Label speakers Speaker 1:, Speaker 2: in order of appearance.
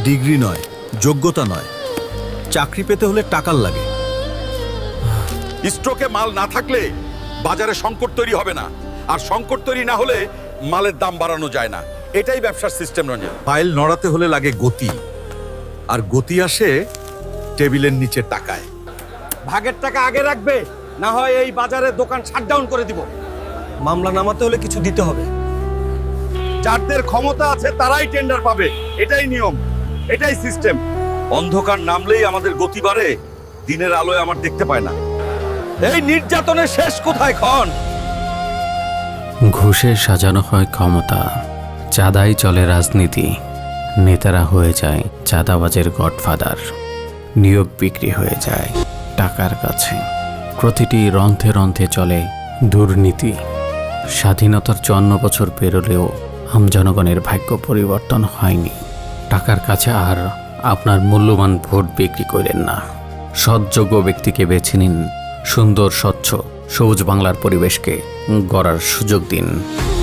Speaker 1: Degree নয়, যোগ্যতা নয়, চাকরি পেতে হলে টাকার লাগে।
Speaker 2: স্টকে মাল না থাকলে বাজারে সংকট তৈরি হবে না, আর সংকট তৈরি না হলে মালের দাম বাড়ানো যায় না। এটাই ব্যবসার সিস্টেম রঞ্জন। ফাইল নড়াতে হলে লাগে গতি, আর গতি আসে টেবিলের নিচে টাকায়।
Speaker 3: ভাগের টাকা আগে রাখবে, না হয় এই বাজারে দোকান শাটডাউন করে দিব। মামলা নামাতে হলে কিছু দিতে হবে।
Speaker 2: যাদের ক্ষমতা আছে তারাই টেন্ডার পাবে, এটাই নিয়ম, এটাই সিস্টেম। অন্ধকার নামলেই আমাদের গতি বাড়ে, দিনের আলোয় আমার দেখতে পায় না। এই নির্যাতনের শেষ কোথায় খন?
Speaker 4: ঘুষে সাজানো হয় ক্ষমতা, চাঁদাই চলে রাজনীতি, নেতারা হয়ে যায় চাঁদাবাজের গডফাদার, নিয়োগ বিক্রি হয়ে যায় টাকার কাছে, প্রতিটি রন্ধ্রে রন্ধ্রে চলে দুর্নীতি। স্বাধীনতার 54 বছর পেরোলেও আমজনগণের ভাগ্য পরিবর্তন হয়নি। টাকার কাছে আর আপনার মূল্যবান ভোট বিক্রি করেন না। সৎযোগ্য ব্যক্তিকে বেছে নিন, সুন্দর স্বচ্ছ সবুজ বাংলার পরিবেশকে গড়ার সুযোগ দিন।